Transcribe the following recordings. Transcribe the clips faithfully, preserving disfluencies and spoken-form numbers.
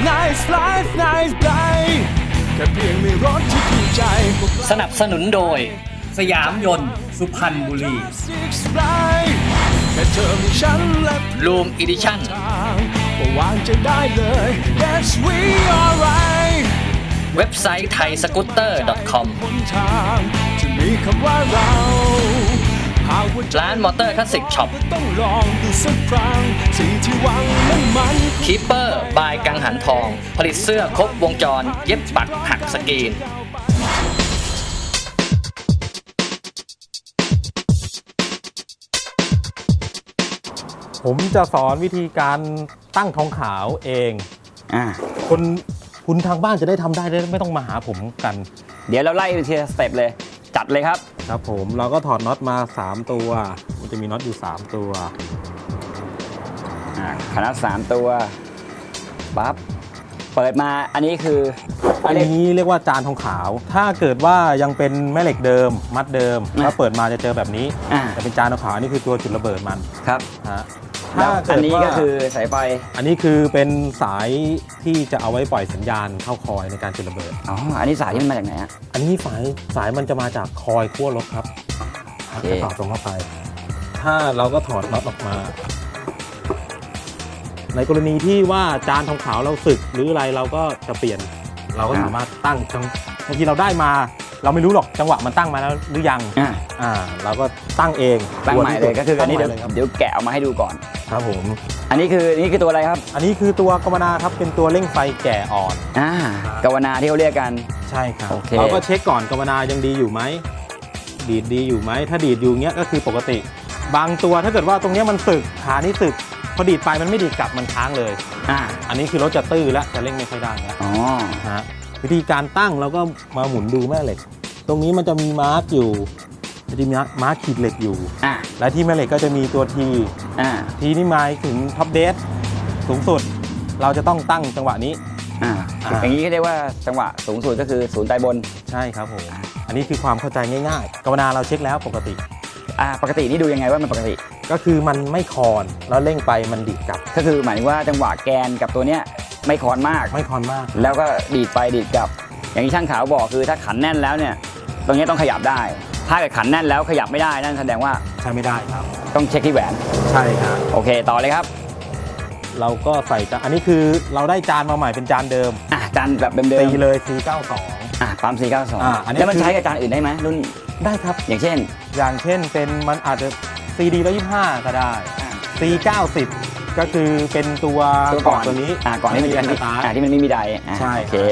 Nice life nice day แค่เพียงมีรถที่ถูกใจสนับสนุนโดยสยามยนต์สุพรรณบุรีRoom Edition วางใจได้เลย Yes we are right เว็บไซต์ไทยสกูตเตอร์ ดอท คอมจะมีคำว่าเราร้านมอเตอร์คลาสสิกช็อปต้องลองดูสักครั้งสิ่งที่หวังนั้นมันคีปเปอร์บายกังหันทอง ผลิตเสื้อครบวงจรเย็บปักหักสกรีนผมจะสอนวิธีการตั้งทองขาวเองอ่าคนคุณทางบ้านจะได้ทำได้ไม่ต้องมาหาผมกันเดี๋ยวเราไล่ไปทีละสเต็ปเลยจัดเลยครับครับผมเราก็ถอดน็อตมาสามตัวมันจะมีน็อตอยู่สามตัวอ่าขนาดสามตัวปั๊บเปิดมาอันนี้คืออันนี้เรียกว่าจานทองขาวถ้าเกิดว่ายังเป็นแม่เหล็กเดิมมัดเดิมถ้าเปิดมาจะเจอแบบนี้จะเป็นจานทองขาวนี่คือตัวจุดระเบิดมันครับฮะถ้าอันนี้ก็คือสายไฟอันนี้คือเป็นสายที่จะเอาไว้ปล่อยสัญญาณเข้าคอยในการจุดระเบิดอ๋ออันนี้สายที่มันมาจากไหนอ่ะอันนี้สายสายมันจะมาจากคอยขั้วรถครับจะต่อตรงเข้าไปถ้าเราก็ถอดน็อตออกมาในกรณีที่ว่าจานทองขาวเราสึกหรืออะไรเราก็จะเปลี่ยนเราก็สามารถตั้งบางทีเราได้มาเราไม่รู้หรอกจังหวะมันตั้งมาแล้วหรือยังอ่าอ่าเราก็ตั้งเองตั้งใหม่เลยก็คืออันนี้เดี๋ยวเดี๋ยวแกะออกมาให้ดูก่อนครับผมอันนี้คือนี่คือตัวอะไรครับอันนี้คือตัวกวนาครับเป็นตัวเร่งไฟแก่อ่อนอ่ากวนาที่เขาเรียกกันใช่ครับเราก็เช็คก่อนกวนายังดีอยู่ไหมดีดดีอยู่ไหมถ้าดีดอยู่เงี้ยก็คือปกติบางตัวถ้าเกิดว่าตรงนี้มันสึกขานี่สึกพอดีดไปมันไม่ดีดกลับมันค้างเลยอ่าอันนี้คือรถจะตื้อแล้วจะเร่งไม่ค่อยได้แล้วอ๋อฮะวิธีการตั้งเราก็มาหมุนดูแม่เหล็กตรงนี้มันจะมีมาร์กอยู่จะมีมาร์กขีดเหล็กอยู่อ่าและที่แม่เหล็กก็จะมีตัวทีอ่าทีนี่หมายถึงท็อปเดสสูงสุดเราจะต้องตั้งจังหวะนี้อ่าอย่างนี้ก็เรียกว่าจังหวะสูงสุดก็คือศูนย์ใต้บนใช่ครับผมอันนี้คือความเข้าใจง่ายๆกวนาเราเช็คแล้วปกติอ่าปกตินี่ดูยังไงว่ามันปกติก็คือมันไม่คอนแล้วเร่งไปมันดีดกลับก็คือหมายถึงว่าจังหวะแกนกับตัวเนี้ยไม่คอนมากไม่คอนมากแล้วก็ดีดไปดีดกลับอย่างที่ช่างขาวบอกคือถ้าขันแน่นแล้วเนี่ยตรงนี้ต้องขยับได้ถ้าเกิดขันแน่นแล้วขยับไม่ได้นั่นแสดงว่าใช้ไม่ได้ครับต้องเช็คที่แหวนใช่ครับโอเคต่อเลยครับเราก็ใส่จานอันนี้คือเราได้จานมาใหม่เป็นจานเดิมอ่ะจานแบบเดิมๆตีเลยสี่เก้าสองอ่ะปั๊มสี่เก้าสองแล้วมันใช้กับจานอื่นได้ไหมรุ่นได้ครับอย่างเช่นอย่างเช่นเป็นมันอาจจะ ซี ดี หนึ่งร้อยยี่สิบห้าก็ได้ ซี เก้าสิบ ก็คือเป็นตัวก่อนตัวนี้อ่าก่อนที่มันจะมีอ่าที่มันไม่มีไดใช่โอเค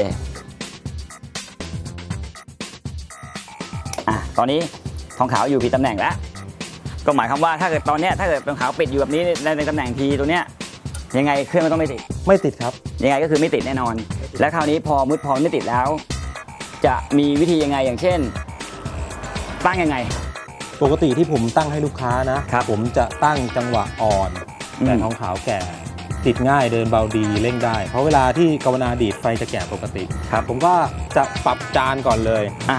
อ่ะตอนนี้ทองขาวอยู่ผิดตำแหน่งแล้วก็หมายความว่าถ้าเกิดตอนเนี้ยถ้าเกิดทองขาวปิดอยู่แบบนี้ในในตำแหน่งทีตัวเนี้ยยังไงเครื่องมันต้องไม่ติดไม่ติดครับยังไงก็คือไม่ติดแน่นอนและคราวนี้พอมุดพอไม่ติดแล้วจะมีวิธียังไงอย่างเช่นตั้งยังไงปกติที่ผมตั้งให้ลูกค้านะผมจะตั้งจังหวะอ่อนแต่ทองขาวแก่ติดง่ายเดินเบาดีเร่งได้เพราะเวลาที่กวนาดีดไฟจะแก่ปกติครับผมก็จะปรับจานก่อนเลยอ่า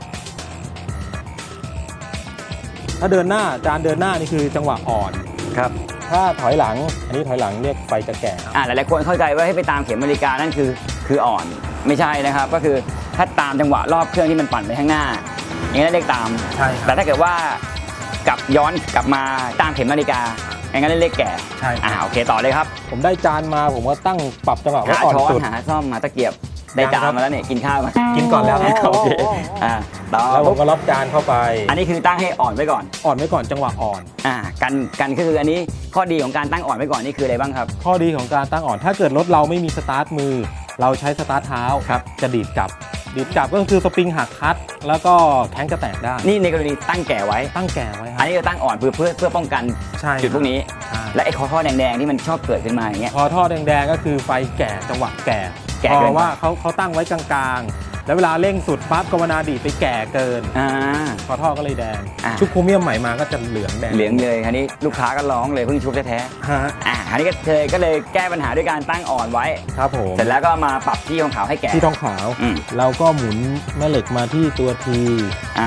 ถ้าเดินหน้าจานเดินหน้านี่คือจังหวะอ่อนครับถ้าถอยหลังอันนี้ถอยหลังเรียกไฟจะแก่อ่าหลายๆคนเข้าใจว่าให้ไปตามเข็มนาฬิกานั่นคือคืออ่อนไม่ใช่นะครับก็คือถ้าตามจังหวะรอบเครื่องที่มันปั่นไปข้างหน้าอย่างนั้นเรียกตามใช่แต่ถ้าเกิดว่ากลับย้อนกลับมาตามเข็มนาฬิกาอย่างนั้นเรียกแก่ใช่อ่าโอเคต่อเลยครับผมได้จานมาผมก็ตั้งปรับจังหวะว่าอ่อนสุดหาซ่อมหาตะเกียบได้จานมาแล้วเนี่ยกินข้าวมากินก่อนแล้วโอเคอ่าต่อแล้วผมก็รับจานเข้าไปอันนี้คือตั้งให้อ่อนไว้ก่อนอ่อนไว้ก่อนจังหวะอ่อนอ่ากันกันก็คืออันนี้ข้อดีของการตั้งอ่อนไว้ก่อนนี่คืออะไรบ้างครับข้อดีของการตั้งอ่อนถ้าเกิดรถเราไม่มีสตาร์ทมือเราใช้สตาร์ทเท้าจะดีดกลับดีดกลับก็คือสปริงหักคัดแล้วก็แข้งจะแตกได้นี่ในกรณีตั้งแก่ไว้ตั้งแก่ไว้อันนี้จะตั้งอ่อนเพื่อเพื่อเพื่อป้องกันจุดพวกนี้และไอ้คอท่อแดงๆที่มันชอบเกิดขึ้นมาอย่างเงี้ยคอท่อแดงๆก็คือไฟแก่จังหวะแก่เพราะว่าเขาเขาตั้งไว้กลางๆแล้วเวลาเร่งสุดปั๊บกวนาดีดไปแก่เกินคอท่อก็เลยแดงชุบโครเมียมใหม่มาก็จะเหลืองแดงเหลืองเลยอันนี้ลูกค้าก็ร้องเลยเพิ่งชุบแท้ๆอ่าอันนี้ก็เลยก็เลยแก้ปัญหาด้วยการตั้งอ่อนไว้ครับผมเสร็จแล้วก็มาปรับที่ทองขาวให้แก่ที่ทองขาวเราก็หมุนแม่เหล็กมาที่ตัวทีอ่า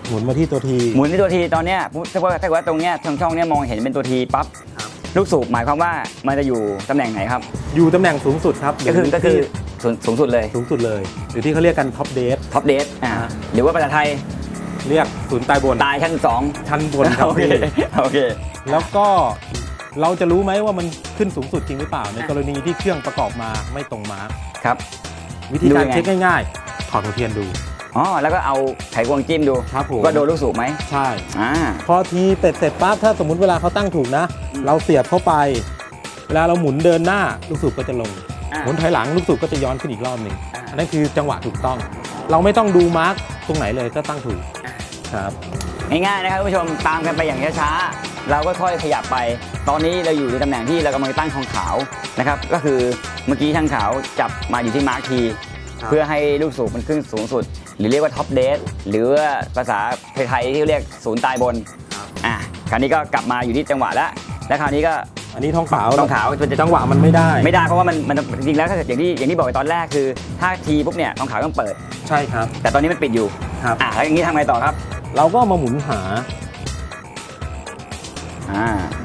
หมุนมาที่ตัวทีหมุนที่ตัวทีตอนเนี้ยถ้าว่าถ้าว่าตรงเนี้ยช่องช่องเนี้ยมองเห็นเป็นตัวทีปั๊บลูกสูบหมายความว่ามันจะอยู่ตำแหน่งไหนครับอยู่ตำแหน่งสูงสุดครับก็คือก็คือสูงสูงสุดเลยสูงสุดเลยหรือที่เขาเรียกกันท็อปเดสท็อปเดสอ่าหรือว่าภาษาไทยเรียกศูนย์ตายบนตายชั้นสองชั้นบนครับโอเคโอเคแล้วก็เราจะรู้ไหมว่ามันขึ้นสูงสุดจริงหรือเปล่าในกรณีที่เครื่องประกอบมาไม่ตรงมาร์คครับวิธีการเช็คง่ายๆถอดหัวเทียนดูอ๋อแล้วก็เอาไขควงจิ้มดูครับผมก็โดนลูกสูบไหมใช่อ่าพอทีเสร็จเสร็จปั๊บถ้าสมมุติเวลาเขาตั้งถูกนะเราเสียบเข้าไปเวลาเราหมุนเดินหน้าลูกสูบก็จะลงหมุนถอยหลังลูกสูบก็จะย้อนขึ้นอีกรอบหนึ่งอันนั้นคือจังหวะถูกต้องเราไม่ต้องดูมาร์คตรงไหนเลยก็ตั้งถูกครับง่ายๆนะครับผู้ชมตามกันไปอย่างช้าๆเราก็ค่อยขยับไปตอนนี้เราอยู่ในตำแหน่งที่เรากำลังตั้งทองขาวนะครับก็คือเมื่อกี้ช่างขาวจับมาอยู่ที่มาร์คทีเพื่อให้ลูกสูบมันขึ้นสูงสุดหรือเรียกว่าท็อปเดสหรือว่าภาษาไทยที่เรียกศูนย์ตายบนอ่ะคราวนี้ก็กลับมาอยู่ที่จังหวะแล้วและคราวนี้ก็อันนี้ทองขาวทองขาวจังหวะมันไม่ได้ไม่ได้เพราะว่ามันมันจริงๆแล้วถ้าเกิดอย่างที่อย่างที่บอกไปตอนแรกคือถ้าทีปุ๊บเนี่ยทองขาวต้องเปิดใช่ครับแต่ตอนนี้มันปิดอยู่ครับอ่ะแล้วอย่างนี้ทำไงต่อครับเราก็มาหมุนหาอ่า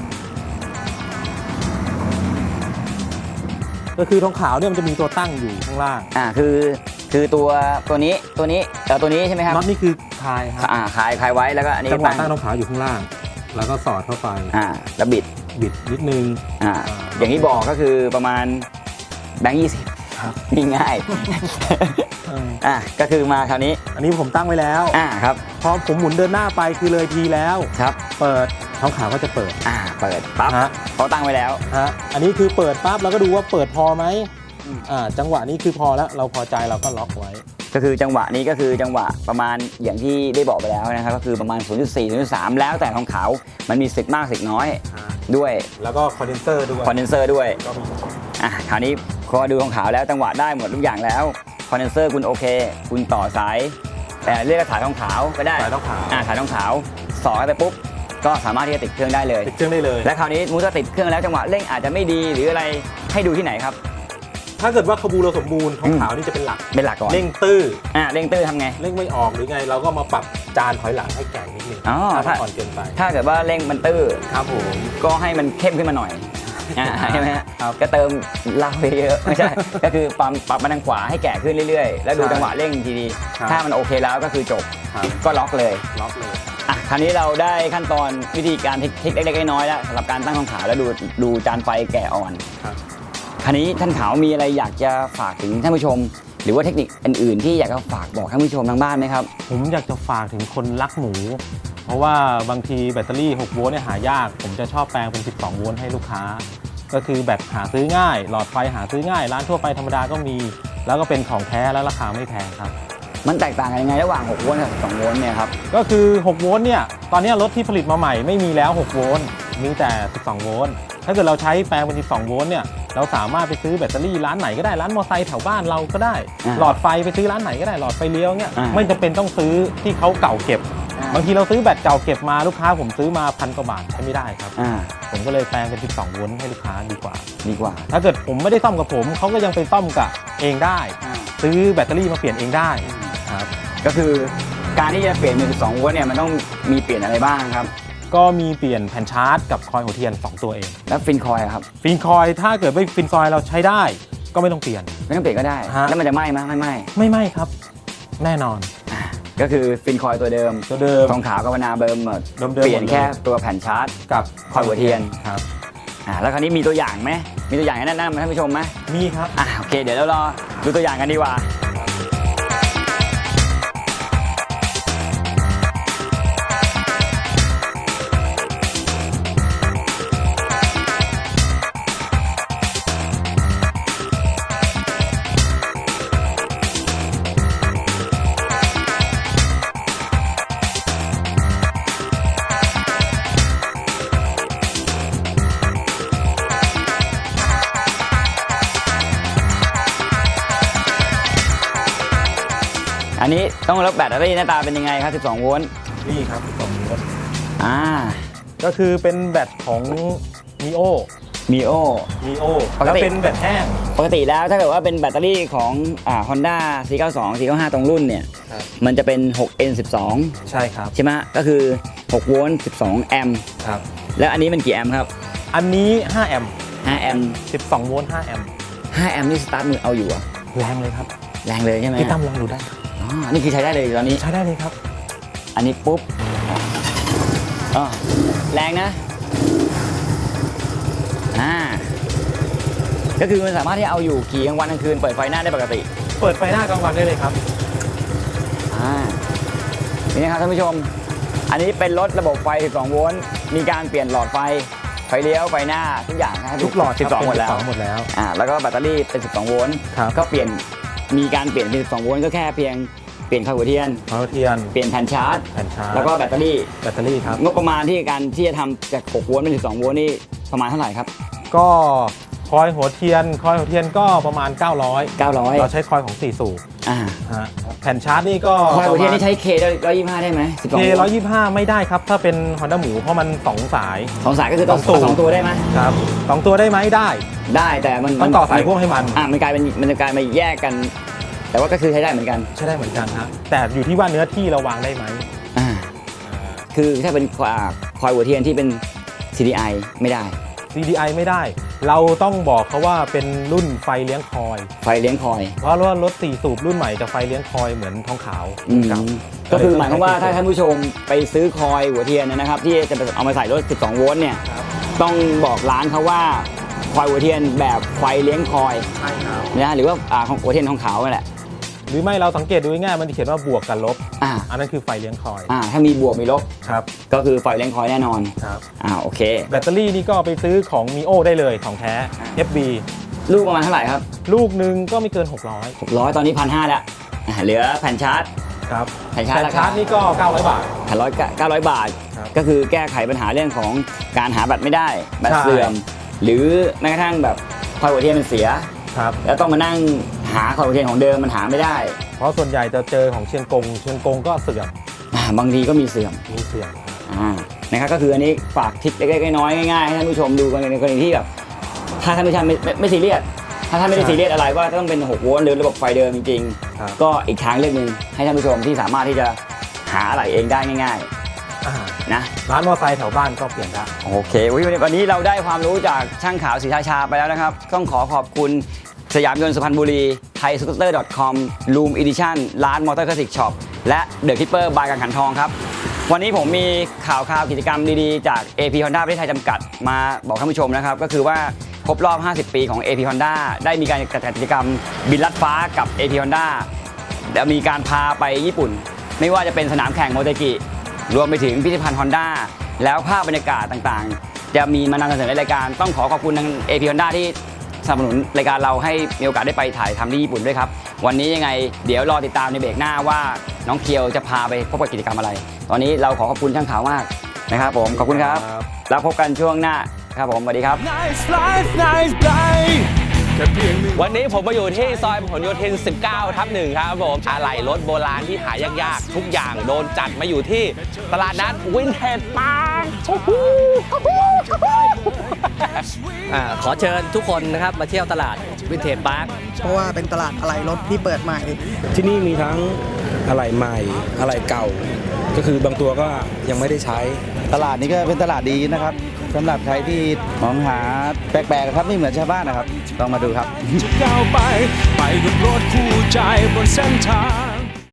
ก็คือทองขาวเนี่ยมันจะมีตัวตั้งอยู่ข้างล่างอ่าคือคือตัวตัวนี้ตัวนี้เอ่อตัวนี้ใช่ไหมครับน็อตนี่คือคลายครับอ่าคลายคลายไว้แล้วก็อันนี้จังหวะตั้งทองขาวอยู่ข้างล่างแล้วก็สอดเข้าไปอ่าแล้วบิดบิดนิดนึงอ่าอย่างที่บอกก็คือประมาณแบงค์ยี่สิบง่ายอ่ะก็คือมาคราวนี้อันนี้ผมตั้งไว้แล้วอ่าครับพอผมหมุนเดินหน้าไปคือเลยทีแล้วครับเปิดทองขาวก็จะเปิดอ่าเปิดปั๊บเขาตั้งไว้แล้วฮะอันนี้คือเปิดปั๊บเราก็ดูว่าเปิดพอไหมอ่าจังหวะนี้คือพอแล้วเราพอใจเราก็ล็อกไว้ก็คือจังหวะนี้ก็คือจังหวะประมาณอย่างที่ได้บอกไปแล้วนะครับก็คือประมาณ ศูนย์จุดสี่ ศูนย์จุดสาม แล้วแต่ทองขาวมันมีสึกมากสึกน้อยด้วยแล้วก็คอนเดนเซอร์ด้วยคอนเดนเซอร์ด้วยอ่ะคราวนี้พอดูทองขาวแล้วจังหวะได้หมดทุกอย่างแล้วคอนเดนเซอร์คุณโอเคคุณต่อสายแต่เรียกสายทองขาวก็ได้สายทองขาวอ่าสายทองขาวสอดไปปุ๊บก็สามารถที่จะติดเครื่องได้เลยติดเครื่องได้เลยและคราวนี้มูจะติดเครื่องแล้วจังหวะเร่งอาจจะไม่ดีหรืออะไรให้ดูที่ไหนครับถ้าเกิดว่าขบูเราสมบูรณ์ทองขาวนี่จะเป็นหลักเป็นหลักก่อนเร่งตื้ออ่าเร่งตื้อทำไงเร่งไม่ออกหรือไงเราก็มาปรับจานถอยหลังให้แก่นิดนึงอ๋อถ้าก่อนเกินไปถ้าเกิดว่าเร่งมันตื้อครับผมก็ให้มันเข้มขึ้นมาหน่อยใช่ไหมครับก็เติมเหล้าเยอะไม่ใช่ก็คือปรับปรับมาทางขวาให้แก่ขึ้นเรื่อยๆแล้วดูจังหวะเร่งทีดีถ้ามันโอเคแล้วก็คือจบก็ล็อกเลยล็อกเลยอ่ะคราวนี้เราได้ขั้นตอนวิธีการเทคนิคเล็กๆน้อยๆแล้วสำหรับการตั้งทองขาวแล้วดูดูจานไฟแก่อ่อนคราวนี้ท่านขาวมีอะไรอยากจะฝากถึงท่านผู้ชมหรือว่าเทคนิคอื่นๆที่อยากจะฝากบอกท่านผู้ชมทางบ้านไหมครับผมอยากจะฝากถึงคนรักหมูเพราะว่าบางทีแบตเตอรี่หกโวลต์เนี่ยหายากผมจะชอบแปลงเป็นสิบสองโวลต์ให้ลูกค้าก็คือแบตหาซื้อง่ายหลอดไฟหาซื้อง่ายร้านทั่วไปธรรมดาก็มีแล้วก็เป็นของแท้และราคาไม่แพงครับมันแตกต่างกันยังไงระหว่างหกโวลต์กับสิบสองโวลต์เนี่ยครับก็คือหกโวลต์เนี่ยตอนนี้รถที่ผลิตมาใหม่ไม่มีแล้วหกโวลต์มีแต่สิบสองโวลต์ถ้าเกิดเราใช้แปลงเป็นสิบสองโวลต์เนี่ยเราสามารถไปซื้อแบตเตอรี่ร้านไหนก็ได้ร้านมอเตอร์ไซค์แถวบ้านเราก็ได้หลอดไฟไปซื้อร้านไหนก็ได้หลอดไฟเลี้ยวเนี่ยไม่จำเป็นต้องซื้อที่เขาเก่าเก็บบางทีเราซื้อแบตเก่าเก็บมาลูกค้าผมซื้อมาพันกว่าบาทใช้ไม่ได้ครับผมก็เลยแปลงเป็นสิบสองโวลต์ให้ลูกค้าดีกว่าดีกว่าถ้าเกิดผมไม่ได้ซ่อมกับผมเขาก็ยังไปซ่อมกับเองได้ซื้อแบตเตอรี่มาเปลี่ยนเองได้ครับก็คือการที่จะเปลี่ยนเป็นสิบสองโวลต์เนี่ยมันต้องมีเปลี่ยนอะไรบ้างครับก็มีเปลี่ยนแผ่นชาร์จกับคอยหัวเทียนสองตัวเองแล้วฟินคอยครับฟินคอยถ้าเกิดไม่ฟินคอยเราใช้ได้ก็ไม่ต้องเปลี่ยนไม่ต้องเปลี่ยนก็ได้แล้วมันจะไหม้ไหมไม่ไหม้ไม่ไหม้ครับแน่นอนก็คือฟินคอยตัวเดิมตัวเดิมทองขาวกับวนาเบิร์มเปลี่ยนแค่ตัวแผ่นชาร์จกับคอยหัวเทียนครับอ่าแล้วคราวนี้มีตัวอย่างไหมมีตัวอย่างให้แนะนำท่านผู้ชมไหมมีครับอ่าโอเคเดี๋ยวเรารอดูตัวอย่างกันดีกว่าอันนี้ต้องรับแบตเตอรี่หน้าตาเป็นยังไงครับสิบสองโวลต์นี่ครับสิบสองโวลต์อ่าก็คือเป็นแบตของ Neo มีโอมีโอปกติแล้วเป็นแบตแห้งปกติแล้วถ้าเกิดว่าเป็นแบตเตอรี่ของอ่า Honda สี่เก้าสอง สี่เก้าห้า ตรงรุ่นเนี่ยครับมันจะเป็น หก เอ็น สิบสองใช่ครับใช่ไหมก็คือ หก โวลต์ สิบสอง แอมป์ครับแล้วอันนี้มันกี่แอมป์ครับอันนี้ห้าแอมป์ห้า แอมป์สิบสองโวลต์ห้าแอมป์ห้าแอมป์นี่สตาร์ทมือเอาอยู่เหรอะแรงเลยครับแรงเลยใช่ไหมพี่ตั้มลองดูได้อ๋อ นี่คือใช้ได้เลยตอนนี้ใช้ได้เลยครับอันนี้ปุ๊บอ๋อแรงนะ อ่า ก็คือมันสามารถที่เอาอยู่ขี่กลางวันกลางคืนเปิดไฟหน้าได้ปกติเปิดไฟหน้ากลางวันได้เลยครับอ่า นี่นะครับท่านผู้ชม อันนี้เป็นรถระบบไฟ สิบสอง โวลต์ มีการเปลี่ยนหลอดไฟ ไฟเลี้ยว ไฟหน้า ทุกอย่างนะครับทุกหลอดสิบสอง หมดแล้วสิบสองหมดแล้วอ่า แล้วก็แบตเตอรี่เป็น สิบสอง โวลต์ครับก็เปลี่ยน มีการเปลี่ยนเป็น สิบสอง โวลต์ก็แค่เพียงเปลี่ยนข้าวหัวเทียนพาวเทียนเปลี่ยนแผ่นชาร์จแผ่นชาร์จแล้วก็แบตเตอรี่แบตเตอรี่ครับงบประมาณที่การที่จะทำจาก หก โวลต์เป็น สิบสอง โวลต์นี่ประมาณเท่าไหร่ครับก็คอยหัวเทียน คอยหัวเทียนก็ประมาณ เก้าร้อยเก้าร้อยเราใช้คอยของสี่สูบอ่าฮะแผ่นชาร์จนี่ก็คอยหัวเทียนนี่ใช้ K ได้ร้อยยี่สิบห้าได้ไหมสิบสองเคโวลร้อยต์ยี่สิบห้าไม่ได้ครับ ถ้าเป็น Honda หมูเพราะมันสองสายสองสายก็คือต้องสองตัวสองตัวได้ไหมครับสองตัวได้ไหมได้ได้แต่มันต้องต่อสายพ่วงให้มันอ่ามันกลายเป็นมันจะกลายมาแยกกัน แต่ว่าก็คือใช้ได้เหมือนกันใช้ได้เหมือนกันฮะแต่อยู่ที่ว่าเนื้อที่เราวางได้ไหมอ่าคือถ้าเป็นคอยคอยหัวเทียนที่เป็น ซี ดี ไอ ไม่ได้ซี ดี ไอ ไม่ได้ เราต้องบอกเขาว่าเป็นรุ่นไฟเลี้ยงคอยไฟเลี้ยงคอยเพราะว่ารถสี่สูบรุ่นใหม่จะไฟเลี้ยงคอยเหมือนทองขาวอืมเก่าก็คือหมายความว่าถ้าท่านผู้ชมไปซื้อคอยหัวเทียนนะครับ ที่จะเอามาใส่รถ สิบสอง โวลต์เนี่ยครับต้องบอกร้านเขาว่าคอยหัวเทียนแบบไฟเลี้ยงคอยใช่ครับนะหรือว่าอ่าของหัวเทียนทองขาวนั่นแหละหรือไม่เราสังเกตดูง่ายๆมันจะเขียนว่าบวกกับลบอ่าอันนั้นคือไฟเลี้ยงคอยอ่าถ้ามีบวกมีลบครับก็คือไฟเลี้ยงคอยแน่นอนครับอ่าโอเคแบตเตอรี่นี่ก็ไปซื้อของ มีโอ ได้เลยของแท้ เอฟ บีลูกประมาณเท่าไหร่ครับลูกหนึ่งก็ไม่เกิน หกร้อยหกร้อยตอนนี้พันห้าแล้วอ่าเหลือแผ่นชาร์จครับแผ่นชาร์จแต่ราชาคาร์จนี่ก็ เก้าร้อยบาทแผ่นร้อยเก้าร้อยบาทครับก็คือแก้ไขปัญหาเรื่องของการหาแบตไม่ได้แบตใช่เสื่อม หรือแม้กระทั่งแบบคอยหัวเทียนมันเสียครับแล้วต้องมานั่งหาคอยหัวเทียนของเดิมมันหาไม่ได้เพราะส่วนใหญ่จะเจอของเชียงกง เชียงกงก็เสื่อมอ่าบางทีก็มีเสื่อมมีเสื่อมอ่านะครับก็คืออันนี้ฝากทิปเล็กๆน้อยๆง่ายๆให้ท่านผู้ชมดูกันในกรณีที่แบบถ้าท่านผู้ชมไม่ไม่ไม่ซีเรียสถ้าท่านไม่ได้ใช่ซีเรียสอะไรว่าต้องเป็นหกโวลต์หรือระบบไฟเดิมจริงครับๆก็อีกทางเลือกหนึ่งให้ท่านผู้ชมที่สามารถที่จะหาอะไรเองได้ง่ายอ่าๆนะร้านมอเตอร์ไซค์แถวบ้านก็เปลี่ยนได้โอเควันนี้เราได้ความรู้จากช่างขาวศรีราชาไปแล้วนะครับต้องขอขอบคุณสยามยนต์สุพรรณบุรีไทยสกูตเตอร์ .com Room Edition ร้านมอเตอร์คลาสสิกช็อปและเดอะคิปเปอร์บายกังหันทองครับวันนี้ผมมีข่าวข่าวกิจกรรมดีๆจาก เอ พี Honda ประเทศไทยจำกัดมาบอกท่านผู้ชมนะครับก็คือว่าครบรอบ ห้าสิบ ปีของ เอ พี Honda ได้มีการจัดกิจกรรมบินลัดฟ้ากับ เอ พี Honda และมีการพาไปญี่ปุ่น ไม่ว่าจะเป็นสนามแข่งโมเตกิรวมไปถึงพิพิธภัณฑ์ Honda แล้วภาพบรรยากาศต่างๆ จะมีมานำเสนอในรายการต้องขอขอบคุณทาง เอ พี Honda ที่สนับสนุนรายการเราให้มีโอกาสได้ไปถ่ายทำที่ญี่ปุ่นด้วยครับวันนี้ยังไงเดี๋ยวรอติดตามในเบรกหน้าว่าน้องเคียวจะพาไปพบกับกิจกรรมอะไร ตอนนี้เราขอขอบคุณช่างขาวมากนะครับผมขอบคุณครับครับแล้วพบกันช่วงหน้าครับผมสวัสดีครับ Nice life nice day แค่เพียงหนึ่งวันนี้ผมมาอยู่ที่ซอยพหลโยธิน สิบเก้า ทับหนึ่งครับผมอะไหล่รถโบราณที่หายากๆ ทุกอย่างโดนจัดมาอยู่ที่ตลาดนัดวินเทจปาร์คโอ้โหอ่าขอเชิญทุกคนนะครับมาเที่ยวตลาดวินเทจพาร์คเพราะว่าเป็นตลาดอะไหล่รถที่เปิดใหม่ที่นี่มีทั้งอะไหล่ใหม่อะไหล่เก่า ก็คือบางตัวก็ยังไม่ได้ใช้ตลาดนี้ก็เป็นตลาดดีนะครับสำหรับใครที่มองหาแปลกๆครับไม่เหมือนชาวบ้านนะครับต้องมาดูครับจะก้าวไป ไปกับรถคู่ใจบนเส้นทาง